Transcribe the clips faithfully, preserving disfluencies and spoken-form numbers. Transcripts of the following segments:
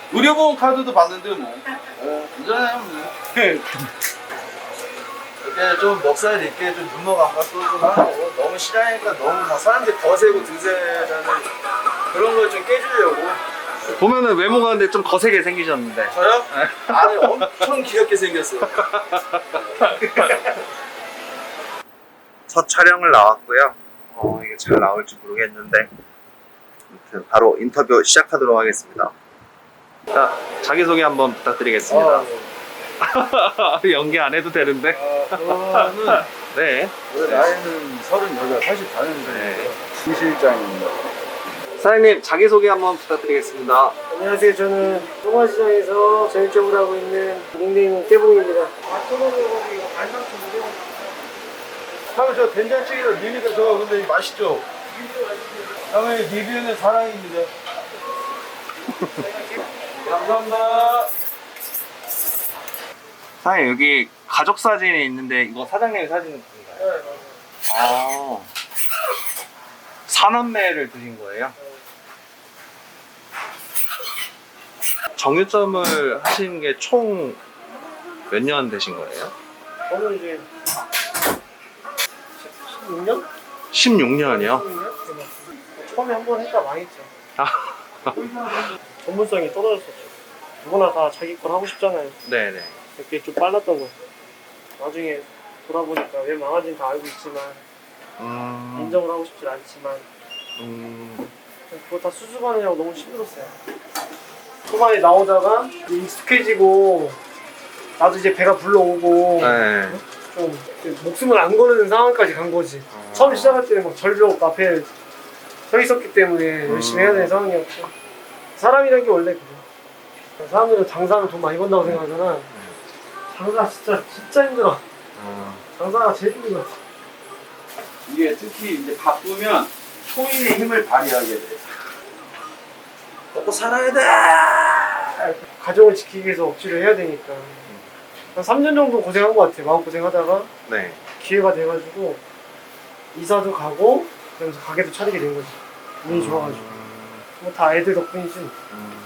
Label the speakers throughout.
Speaker 1: 의료보험 카드도 받는데 뭐. 어, 괜찮아요. 뭐.
Speaker 2: 이렇게 좀 먹살 있게 좀 눈목 감각도 좀 하고 너무 싫어하니까 너무 막 사람들이 거세고 드세라는 그런 걸 좀 깨주려고.
Speaker 1: 보면은 외모가 근데 좀 거세게 생기셨는데.
Speaker 2: 저요? 아니 엄청 귀엽게 생겼어요. 첫 촬영을 나왔고요. 어, 이게 잘 나올지 모르겠는데 아무튼 바로 인터뷰 시작하도록 하겠습니다.
Speaker 1: 자, 자기소개 한번 부탁드리겠습니다.
Speaker 2: 아, 네.
Speaker 1: 연기 안 해도 되는데.
Speaker 2: 아, 저는
Speaker 1: 네.
Speaker 2: 올해 나이는 서른여덟, 팔십사 년생이에요.
Speaker 1: 네.
Speaker 2: 이 실장입니다.
Speaker 1: 사장님, 자기소개 한번 부탁드리겠습니다.
Speaker 3: 안녕하세요. 저는 송화시장에서 전일점을 하고 있는 닉네임은 깨봉입니다.
Speaker 2: 사장님 저 된장찌개로 리뷰가 저 근데 맛있죠? 사장님 리뷰는 사랑입니다. 감사합니다.
Speaker 1: 사장님, 여기 가족 사진이 있는데 이거 사장님 사진인가요?
Speaker 3: 네,
Speaker 1: 아, 사남매를 드신 거예요? 정유점을 하신 게 총 몇 년 되신 거예요?
Speaker 3: 저는 이제 십육 년?
Speaker 1: 십육 년이요?
Speaker 3: 십육 년? 처음에 한 번 했다 망했죠.
Speaker 1: 아,
Speaker 3: 전문성이 떨어졌었죠. 누구나 다 자기 걸 하고 싶잖아요.
Speaker 1: 네네.
Speaker 3: 그게 좀 빨랐던 거예요. 나중에 돌아보니까 왜 망하지는 다 알고 있지만
Speaker 1: 음,
Speaker 3: 인정을 하고 싶지 않지만
Speaker 1: 음,
Speaker 3: 그거 다 수습하느냐고 너무 힘들었어요. 초반에 나오다가 익숙해지고 나도 이제 배가 불러오고
Speaker 1: 네.
Speaker 3: 좀 목숨을 안 거는 상황까지 간 거지.
Speaker 1: 아.
Speaker 3: 처음 시작할 때는 막 절벽 앞에 서 있었기 때문에 열심히 해야 되는 상황이었고 사람이라는 게 원래 그래. 사람들은 장사는 돈 많이 번다고 생각하잖아. 장사 진짜 진짜 힘들어.
Speaker 1: 어,
Speaker 3: 장사가 제일 힘든 것 같아.
Speaker 2: 이게 특히 이제 바쁘면 초인의 힘을 발휘하게 돼. 먹고 살아야 돼.
Speaker 3: 가정을 지키기 위해서 억지로 해야 되니까 한 삼 년 정도 고생한 것 같아. 마음고생하다가
Speaker 1: 네.
Speaker 3: 기회가 돼가지고 이사도 가고 그러면서 가게도 차리게 된 거지. 운이 좋아가지고 뭐 다 애들 덕분이지.
Speaker 1: 음.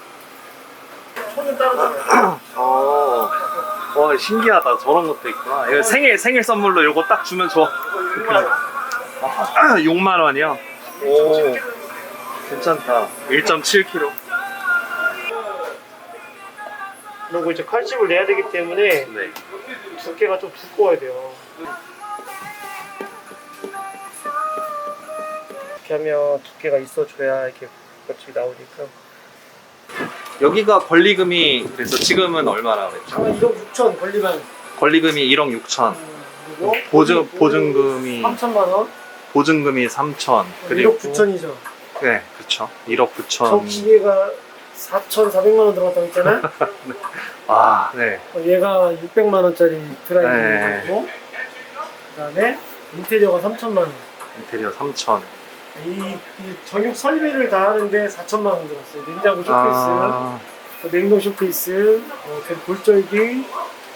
Speaker 3: 손은 따로잖아.
Speaker 1: 어, 와 신기하다. 저런 것도 있구나. 이거 생일 생일 선물로 이거 딱 주면 좋아. 아, 육만 원이요? 오, 괜찮다. 일 점 칠 킬로그램.
Speaker 3: 그리고 이제 칼집을 내야 되기 때문에
Speaker 1: 네.
Speaker 3: 두께가 좀 두꺼워야 돼요. 이렇게 하면 두께가 있어줘야 이렇게 겉이 나오니까.
Speaker 1: 여기가 권리금이 그래서 지금은 얼마나 그랬죠?
Speaker 3: 한 일억 육천 권리만.
Speaker 1: 권리금이 일억 육천.
Speaker 3: 그리고
Speaker 1: 보증 보증금이
Speaker 3: 삼천만 원.
Speaker 1: 보증금이 삼천. 그리고
Speaker 3: 일억 구천이죠.
Speaker 1: 네, 그렇죠. 일억
Speaker 3: 저
Speaker 1: 구천.
Speaker 3: 기계가 사천사백만 원 들어갔다고 했잖아요.
Speaker 1: 아, 네.
Speaker 3: 어, 얘가 육백만 원짜리 드라이브
Speaker 1: 네.
Speaker 3: 있고, 그다음에 인테리어가 삼천만 원.
Speaker 1: 인테리어 삼천.
Speaker 3: 이, 이 전용 설비를 다 하는데 사천만 원 들었어요. 냉장고 쇼케이스,
Speaker 1: 아,
Speaker 3: 어, 냉동 쇼케이스, 어, 골절기,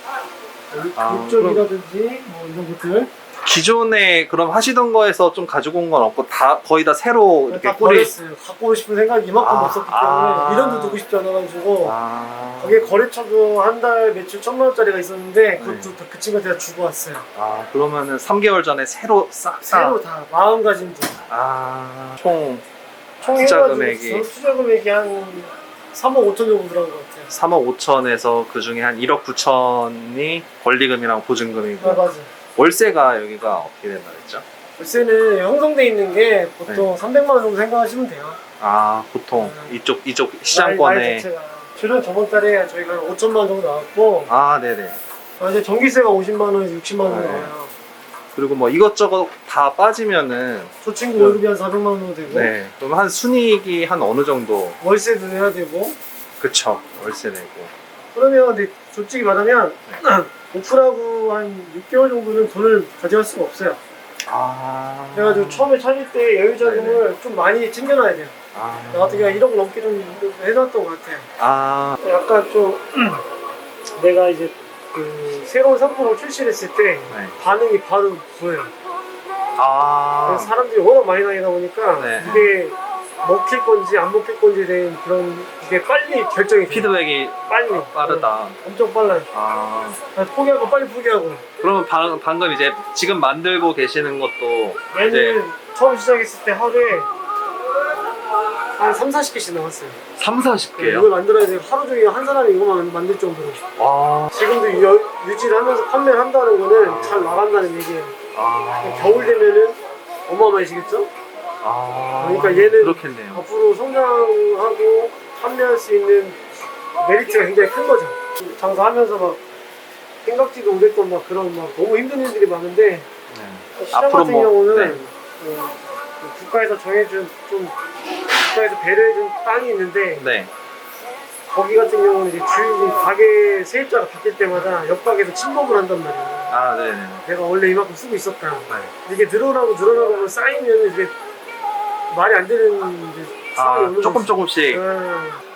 Speaker 1: 아,
Speaker 3: 골절기라든지 뭐 이런 것들
Speaker 1: 기존에 그럼 하시던 거에서 좀 가지고 온 건 없고 다 거의 다 새로 이렇게
Speaker 3: 다
Speaker 1: 뿌리.
Speaker 3: 버렸어요. 갖고 오고 싶은 생각이 이만큼
Speaker 1: 아,
Speaker 3: 없었기 때문에
Speaker 1: 아.
Speaker 3: 미련도 두고 싶지 않아가지고
Speaker 1: 아,
Speaker 3: 거기에 거래처도 한 달 매출 천만 원짜리가 있었는데 그것도
Speaker 1: 네.
Speaker 3: 다 그 친구한테 다 주고 왔어요.
Speaker 1: 아 그러면은 삼 개월 전에 새로 싹 다.
Speaker 3: 새로 다 마음가짐도
Speaker 1: 아, 총
Speaker 3: 총
Speaker 1: 투자
Speaker 3: 해가지고
Speaker 1: 금액이
Speaker 3: 투자 금액이 한 삼억 오천 정도 들어간 것 같아요.
Speaker 1: 삼억 오천에서 그 중에 한 일억 구천이 권리금이랑 보증금이고
Speaker 3: 아 맞아.
Speaker 1: 월세가 여기가 어떻게 된다 그랬죠?
Speaker 3: 월세는 형성돼 있는 게 보통
Speaker 1: 네.
Speaker 3: 삼백만 원 정도 생각하시면 돼요.
Speaker 1: 아 보통
Speaker 3: 음.
Speaker 1: 이쪽 이쪽
Speaker 3: 날- 날
Speaker 1: 시장권에.
Speaker 3: 자체가. 최근 저번 달에 저희가 오천만 원 정도 나왔고
Speaker 1: 아 네네.
Speaker 3: 아, 이제 전기세가 오십만 원에서 육십만 원
Speaker 1: 네.
Speaker 3: 나와요.
Speaker 1: 그리고 뭐 이것저것 다 빠지면은
Speaker 3: 저 친구 월급이 한 사백만 원 정도 되고
Speaker 1: 네 그럼 한 순이익이 한 어느 정도.
Speaker 3: 월세도 내야 되고
Speaker 1: 그쵸, 월세 내고.
Speaker 3: 그러면 근데 솔직히 말하면 오픈하고 한 육 개월 정도는 돈을 가져갈 수가 없어요.
Speaker 1: 아.
Speaker 3: 그래가지고 처음에 차릴 때 여유 자금을 좀 많이 챙겨놔야 돼요.
Speaker 1: 아.
Speaker 3: 나 같은 경우는 일억 넘게 좀 해놨던 것 같아요.
Speaker 1: 아.
Speaker 3: 약간 좀 내가 이제 그 새로운 상품을 출시했을 때
Speaker 1: 네.
Speaker 3: 반응이 바로 보여요.
Speaker 1: 아.
Speaker 3: 그래서 사람들이 워낙 많이 다니다 보니까
Speaker 1: 네.
Speaker 3: 이게 먹힐 건지 안 먹힐 건지에 대한 그런 게 빨리 결정이 돼요.
Speaker 1: 피드백이
Speaker 3: 빨리
Speaker 1: 빠르다.
Speaker 3: 네, 엄청 빨라요.
Speaker 1: 아
Speaker 3: 그래서 포기하고 빨리 포기하고.
Speaker 1: 그러면 방, 방금 이제 지금 만들고 계시는 것도 이제
Speaker 3: 얘는 처음 시작했을 때 하루에 한 삼, 사십 개씩 나왔어요.
Speaker 1: 삼, 사십
Speaker 3: 이걸
Speaker 1: 개요?
Speaker 3: 만들어야 돼요. 하루 종일 한 사람이 이거만 만들 정도로.
Speaker 1: 와.
Speaker 3: 지금도 유, 유지를 하면서 판매를 한다는 거는
Speaker 1: 아.
Speaker 3: 잘 나간다는 얘기예요.
Speaker 1: 아.
Speaker 3: 겨울 되면은 어마어마해지겠죠?
Speaker 1: 아.
Speaker 3: 그러니까 얘는
Speaker 1: 그렇겠네요.
Speaker 3: 앞으로 성장하고 판매할 수 있는 메리트가 굉장히 큰 거죠. 장사하면서 막 생각지도 못했던 막 그런 막 너무 힘든 일들이 많은데
Speaker 1: 네.
Speaker 3: 시장
Speaker 1: 앞으로
Speaker 3: 같은
Speaker 1: 뭐,
Speaker 3: 경우는
Speaker 1: 네.
Speaker 3: 어, 국가에서 정해준 좀 국가에서 배려해준 땅이 있는데
Speaker 1: 네.
Speaker 3: 거기 같은 경우는 이제 주인이 가게 세입자가 바뀔 때마다 옆 가게에서 침범을 한단 말이에요.
Speaker 1: 아, 네네.
Speaker 3: 내가 원래 이만큼 쓰고 있었다.
Speaker 1: 네.
Speaker 3: 이게 늘어나고 늘어나고 쌓이면 이제 말이 안 되는 이제
Speaker 1: 아,
Speaker 3: 상황이 오는
Speaker 1: 조금
Speaker 3: 거지.
Speaker 1: 조금씩.
Speaker 3: 음,